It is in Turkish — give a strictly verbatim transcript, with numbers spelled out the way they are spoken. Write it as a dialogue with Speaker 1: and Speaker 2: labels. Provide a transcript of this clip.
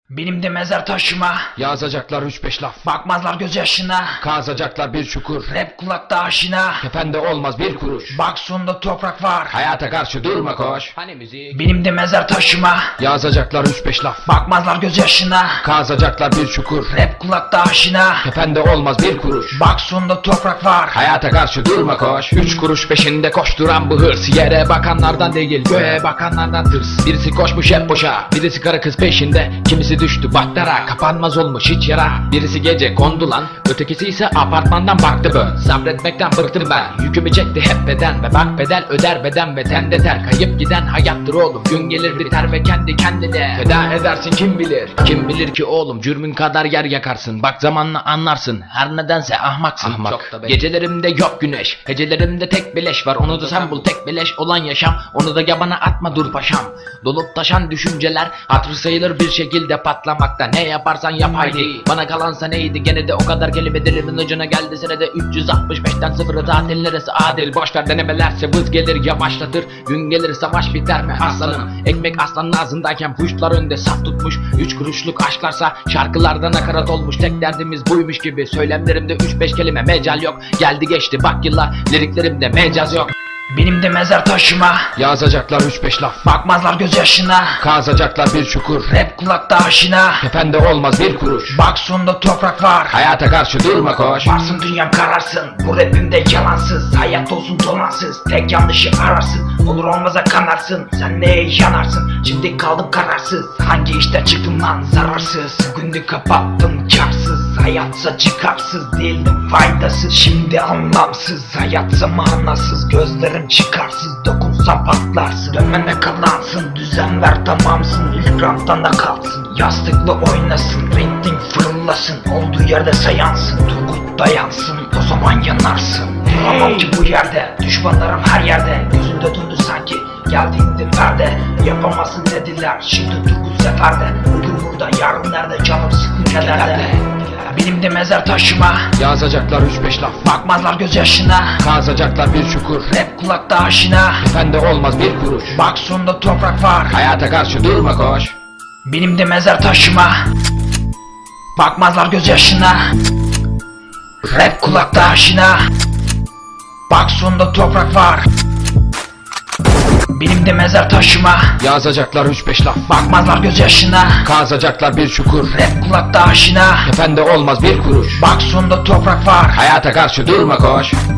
Speaker 1: Benim de mezar taşıma.
Speaker 2: Yazacaklar üç beş laf,
Speaker 1: Bakmazlar gözyaşına.
Speaker 2: kazacaklar bir çukur.
Speaker 1: Rap kulakta aşina.
Speaker 2: Kefende olmaz bir kuruş.
Speaker 1: Bak sonunda toprak var.
Speaker 2: Hayata karşı durma koş.
Speaker 3: Hani müzik?
Speaker 1: Benim de mezar taşıma.
Speaker 2: Yazacaklar üç beş laf,
Speaker 1: Bakmazlar gözyaşına.
Speaker 2: kazacaklar bir çukur.
Speaker 1: Rap kulakta aşina.
Speaker 2: Kefende olmaz bir kuruş.
Speaker 1: Bak sonunda toprak var.
Speaker 2: Hayata karşı durma koş. Üç kuruş peşinde koşturan bu hırs. Yere bakanlardan değil, göğe bakanlardan tırs. Birisi koşmuş hep boşa, birisi karı kız peşinde. Kimisi düştü baktara, kapanmaz olmuş hiç yara. Birisi gece kondu lan, ötekisi ise apartmandan baktı bön. Sabretmekten bıktım ben, yükümü çekti hep beden. Ve bak bedel öder beden ve tende ter. Kayıp giden hayattır oğlum, gün gelir biter ve kendi kendine feda edersin kim bilir. Kim bilir ki oğlum, cürmün kadar yer yakarsın. Bak zamanla anlarsın, her nedense ahmaksın. Ahmak.
Speaker 3: Çok da be-
Speaker 2: Gecelerimde yok güneş, hecelerimde tek beleş var. Onu da sen bul, tek beleş olan yaşam. Onu da yabana atma dur paşam. Dolup taşan düşünceler hatır sayılır bir şekilde patlamakta. Ne yaparsan yap haydi, bana kalansa neydi? Gene de o kadar kelime dilimin ucuna geldi. Senede üç yüz altmış beşten sıfırı tatil neresi adil? Boşver denemelerse vız gelir yavaşlatır. Gün gelir savaş biter mi aslanım? Ekmek aslanın ağzındayken puşlar önde saf tutmuş. Üç kuruşluk aşklarsa şarkılarda nakarat olmuş. Tek derdimiz buymuş gibi, söylemlerimde üç beş kelime mecal yok. Geldi geçti bak yıllar, liriklerimde mecaz yok.
Speaker 1: Benim de mezar taşıma.
Speaker 2: Yazacaklar üç beş laf,
Speaker 1: Bakmazlar gözyaşına.
Speaker 2: kazacaklar bir çukur.
Speaker 1: Rap kulakta aşina.
Speaker 2: Kefende olmaz bir kuruş.
Speaker 1: Bak sonunda toprak var.
Speaker 2: Hayata karşı durma koş.
Speaker 1: Varsın dünyam kararsın. Bu rapimde yalansız. Hayat olsun dolansız. Tek yanlışı ararsın. Olur olmaza kanarsın. Sen neye yanarsın? Şimdi kaldım kararsız. Hangi işte çıktım lan zararsız. Günü kapattım karsız. Hayatsa çıkarsız. Değildim faydasız. Şimdi anlamsız. Hayatsa manasız. Gözlerim çıkarsız. Dokunsan patlarsın. Dönmene kalansın. Düzen ver tamamsın. İlk raftan da kalsın. Yastıkla oynasın. Renting fırlasın. Olduğu yerde sayansın. Turgut dayansın. O zaman yanarsın. Duramam ki bu yerde. Düşmanlarım her yerde. Gözünde döndü sanki. Geldiğinde perde. Yapamazsın dediler. Şimdi Turgut seferde. Bugün burada, yarın nerede? Canım sıkınca nerede? Benim de mezar taşıma.
Speaker 2: Yazacaklar üç beş laf,
Speaker 1: Bakmazlar gözyaşına.
Speaker 2: kazacaklar bir çukur.
Speaker 1: Rap kulakta aşina.
Speaker 2: Kefende olmaz bir kuruş.
Speaker 1: Bak sonunda toprak var.
Speaker 2: Hayata karşı durma koş.
Speaker 1: Benim de mezar taşıma. Bakmazlar gözyaşına. Rap kulakta aşina. Bak sonunda toprak var. Benim de mezar taşıma.
Speaker 2: Yazacaklar üç beş laf,
Speaker 1: Bakmazlar gözyaşına.
Speaker 2: kazacaklar bir çukur.
Speaker 1: Rap kulakta aşina.
Speaker 2: Kefende olmaz bir kuruş.
Speaker 1: Bak sonunda toprak var.
Speaker 2: Hayata karşı durma koş.